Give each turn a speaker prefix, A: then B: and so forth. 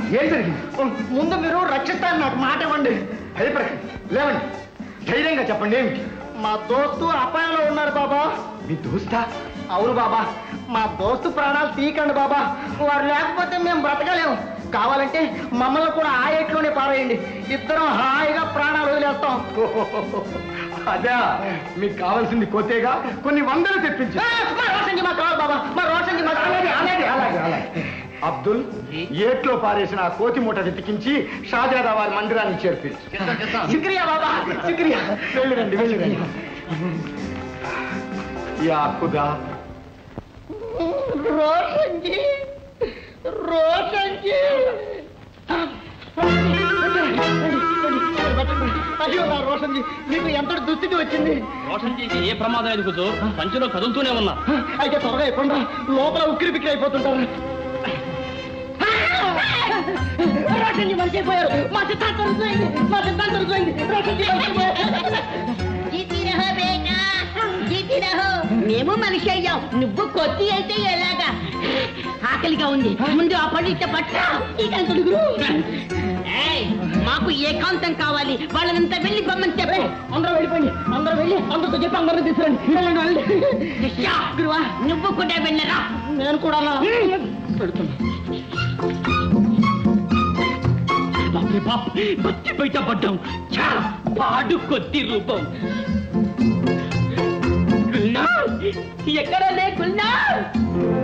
A: ఏం జరిగింది? ముందు మీరు రక్షిస్తాను, నాకు మాట ఇవ్వండి. భయపడకండి, లేవండి, ధైర్యంగా చెప్పండి. ఏమిటి? మా దోస్తు అపాయంలో ఉన్నారు బాబా. మీ దోస్తా? అవును బాబా, మా దోస్తు ప్రాణాలు తీయకండి బాబా. వారు లేకపోతే మేము బ్రతకలేము. కావాలంటే మమ్మల్ని కూడా ఆ ఏట్లోనే పారేయండి, ఇద్దరం హాయిగా ప్రాణాలు వదిలేస్తాం. అదే మీకు కావాల్సింది కోతేగా, కొన్ని వందలు తెప్పించి. మా రోషన్జీ మాకు కావాలి బాబా, మా రోషన్జీ మాకు. అలాగే అబ్దుల్, ఏట్లో పారేసిన ఆ కోతి మూట వెతికించి షాజాదా వారి మందిరాన్ని చేర్పించు. శుక్రియా బాబా, శుక్రియా. వెళ్ళిరండి, వెళ్ళిరండి. యా ఖుదా. రోషన్జీ, రోషన్జీ. అయ్యో నా రోషన్జీ, మీకు ఎంత దుస్థితి వచ్చింది?
B: రోషన్జీకి ఏ ప్రమాదం లేదు కూర్చో, సంచిలో కదులుతూనే ఉన్నా.
A: అయితే త్వరగా అయిపోండా, లోపల ఉక్కిరి బిక్కిరి అయిపోతుంటారు. రోషన్జీ మర్చిపోయారు, మా సిద్ధాంతం రుజువైంది, మా సిద్ధాంతం రుజువైంది. రోషన్జీ
C: మేము మనిషి అయ్యాం, నువ్వు కొద్ది అయితే ఎలాగా? ఆకలిగా ఉంది, ముందు ఆ పండిత పట్ట. మాకు ఏకాంతం కావాలి, వాళ్ళనంతా వెళ్ళి పొమ్మని చెప్పు.
A: అందరూ వెళ్ళిపోయింది, అందరూ వెళ్ళి అందరితో చెప్పి అందరూ తీసుకురండి.
C: గురువా, నువ్వు కూడా వెళ్ళరా.
A: నేను కూడా పెడుతున్నా.
B: బతి బయట పడ్డాం. పాడు కొద్ది రూపం.
C: ఎక్కడ లేకున్నా